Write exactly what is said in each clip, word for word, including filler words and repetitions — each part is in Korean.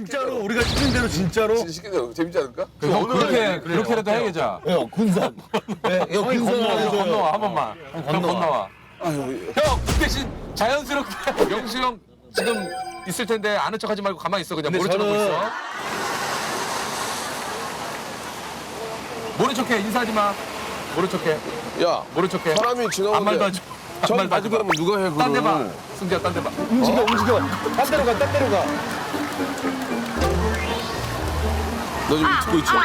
진짜로 우리가 시킨 대로 진짜로. 진짜 시키자. 재밌지 않을까? 형 그렇게 그렇게라도 해야죠. 형 군산. 네, 형 형이 군산 건너와, 해줘요. 건너와 한 번만. 형 건너와. 아유, 형 그 대신 자연스럽게 명수 형 지금 있을 텐데 아는 척하지 말고 가만히 있어. 그냥 근데 모른 척하고 저는- 있어. 모른 척해. 인사하지 마. 모른 척해. 야, 모른 척해. 사람이 지나오는데 아무 말도 하지 마. 아무 저기 말도 하지 가지고 마. 가면 누가 해, 딴 데 봐. 그거를. 승재야 딴 데 봐. 움직여 움직여. 딴 데로 가, 딴 데로 가. 너 지금 듣고 있지?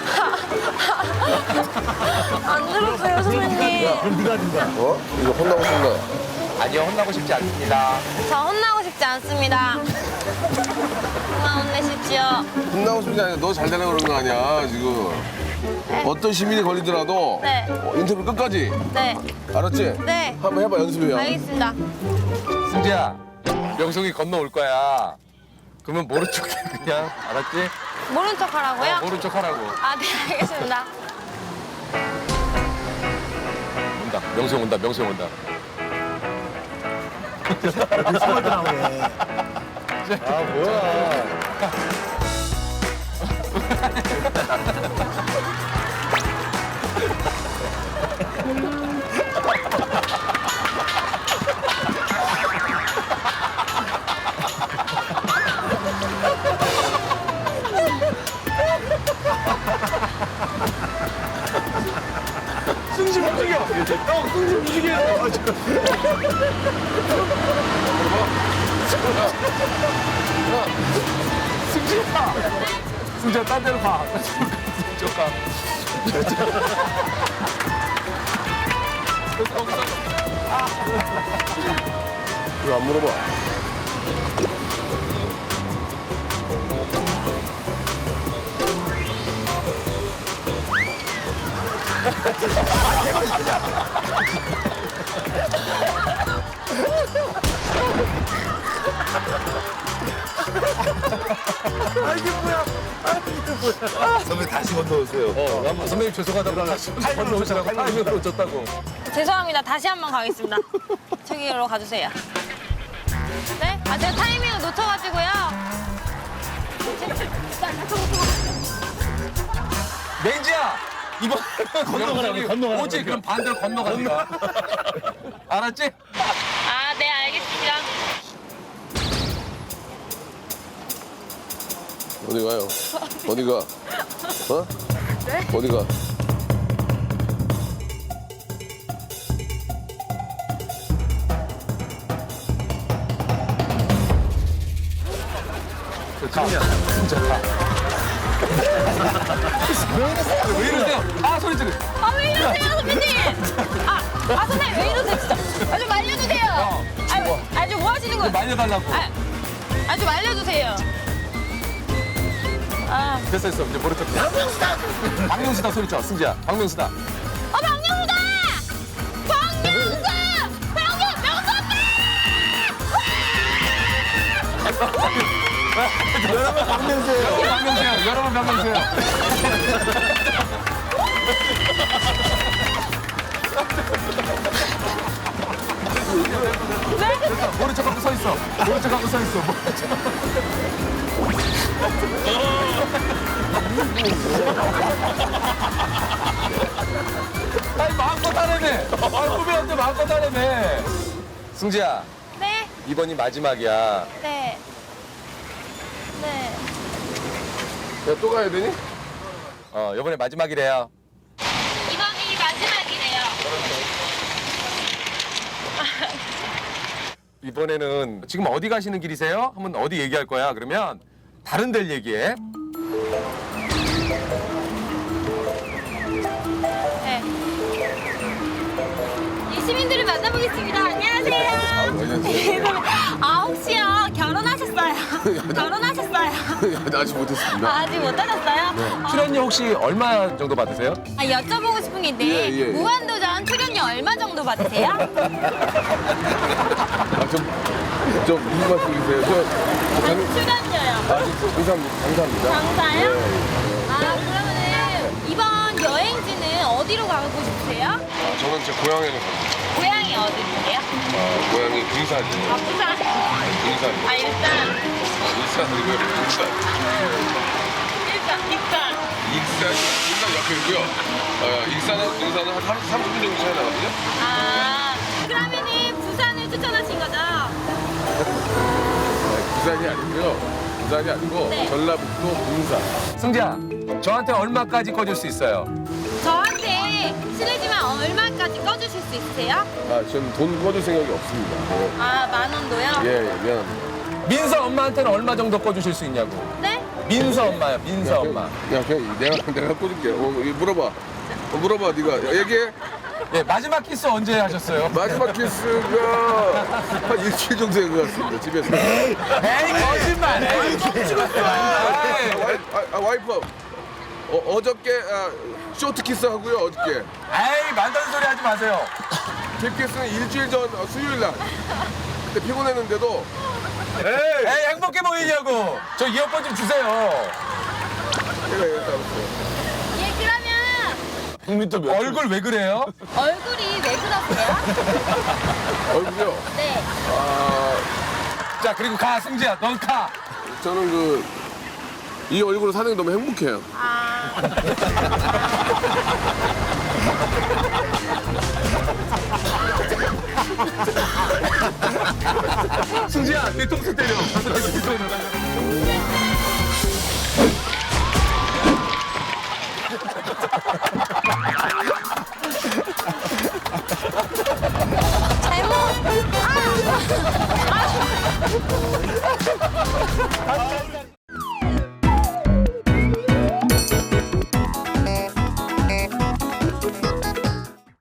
안 들었어요, 선배님. 그럼 네가 든다. 어? 이거 혼나고 싶나? 아니요 혼나고 싶지 않습니다. 저 혼나고 싶지 않습니다. 그만 혼내십시오. 혼나고 싶지 않아. 너 잘 되려고 그런 거 아니야, 지금. 어떤 시민이 걸리더라도 네. 어, 인터뷰 끝까지. 네, 알았지? 네. 한번 해봐, 연습해요. 알겠습니다. 승재야 명성이 건너올 거야. 그러면 모른 척해 그냥. 알았지? 모른 척 하라고요? 어, 모른 척 하라고. 아, 네, 알겠습니다. 온다. 명수 형 온다. 명수 형 온다. 숨어 나오네. 아 뭐야. 승진 움직여. 형 승진 움직여. 승진아. 승진아 딴 데로 가. 저쪽 가. 이거 안 물어봐. 선배 다시 건너오세요. 어, 한번 선배님 죄송하다고 다시 건너오시라고 타이밍으로 줬다고. 죄송합니다. 다시 한 번 가겠습니다. 저기로 가주세요. 네? 아, 제가 타이밍을 놓쳐가지고요. 맹지야! 이번 건너가라고, 건너가라고. 오지 그럼 반대로 건너간다. 알았지? 아, 네, 알겠습니다. 어디 가요? 어디 가? 어? 네? 어디 가? 가. 진짜 가. 왜 이러세요? 아 소리 지르. 아, 왜 이러세요, 선배님? 아, 아, 선배님, 왜 이러세요, 진짜? 아, 좀 알려주세요. 아, 아, 좀 뭐 하시는 거예요? 말려달라고. 아, 아, 좀 알려주세요. 아, 됐어 됐어 이제 모른 척. 박명수다. 박명수다 소리 쳐. 승지야. 박명수다. 어, 박명수다! 박명수! 박명, 명수 오빠! 여러분 박명수예요. 박명수야. 여러분 박명수야. 됐어. 모른 척하고 서 있어. 모른 척하고 서 있어. 모른 척. 아니 마음껏 하라며. 아 후배한테 마음껏 하라며. 승지야 네, 이번이 마지막이야. 네. 네. 야, 또 가야 되니? 어 이번에 마지막이래요. 이번이 마지막이네요. 이번에는 지금 어디 가시는 길이세요? 한번 어디 얘기할 거야. 그러면 다른 데를 얘기해. 네. 이 시민들을 만나보겠습니다. 안녕하세요. 안녕하세요. 아, 혹시요, 결혼하셨어요? 결혼하셨어요? 야, 나 아직 못했습니다. 아, 아직 못 하셨어요? 아, 출연료 혹시 얼마 정도 받으세요? 아, 여쭤보고 싶은 게 있는데, 예, 예, 예. 무한도전 출연료 얼마 정도 받으세요? 아, 좀, 좀 무슨 말씀이세요? 저, 저 장, 출연료요. 아, 저, 감사합니다. 감사합니다. 장사요? 예. 아, 그러면은 이번 여행지는 어디로 가고 싶으세요? 아, 저는 제 고향에는 갑니다. 고향이 어디세요? 아, 고향이 군산이에요. 아, 부산. 군산. 아, 일단 일산 그리고 부산. 일단 일단. 익산, 익산 옆에 있고요. 어, 익산하고 부산은 한 삼십 분 정도 차이 나거든요. 아 그러면은 부산을 추천하신 거죠? 부산이 아니고요. 부산이 아니고 네. 전라북도 문산. 승재야, 저한테 얼마까지 꺼줄 수 있어요? 저한테 실례지만 얼마까지 꺼주실 수 있으세요? 아, 저는 돈 꺼줄 생각이 없습니다. 네. 아 만 원도요? 예, 예, 미안합니다. 민서 엄마한테는 얼마 정도 꺼주실 수 있냐고. 네? 민서 엄마요, 민서 엄마. 야, 그냥 내가 내가 꽂을게. 어, 이거 물어봐. 어, 물어봐, 네가 얘기해. 예, 마지막 키스 언제 하셨어요? 마지막 키스가 한 일주일 정도 된 것 같습니다. 집에서. 에이, 거짓말. 에이, 뻥치겠어. 아, 와이, 아, 아, 와이프. 어, 어저께 아, 쇼트 키스 하고요. 어저께. 에이, 만다는 소리 하지 마세요. 딥 키스는 일주일 전 어, 수요일 날. 그때 피곤했는데도. 에이. 에이, 행복해 보이냐고. 저 이어폰 좀 주세요. 내가 얘기했다 그랬어요. 예 그러면 국민도 몇 얼굴 왜 그래요? 얼굴이 왜 그러세요? 얼굴요. 네. 아, 자, 그리고 가, 승재야, 넌 가. 저는 그 이 얼굴로 사는 게 너무 행복해요. 아 승재야, 뒤통수 때려. 뒤통수 때려.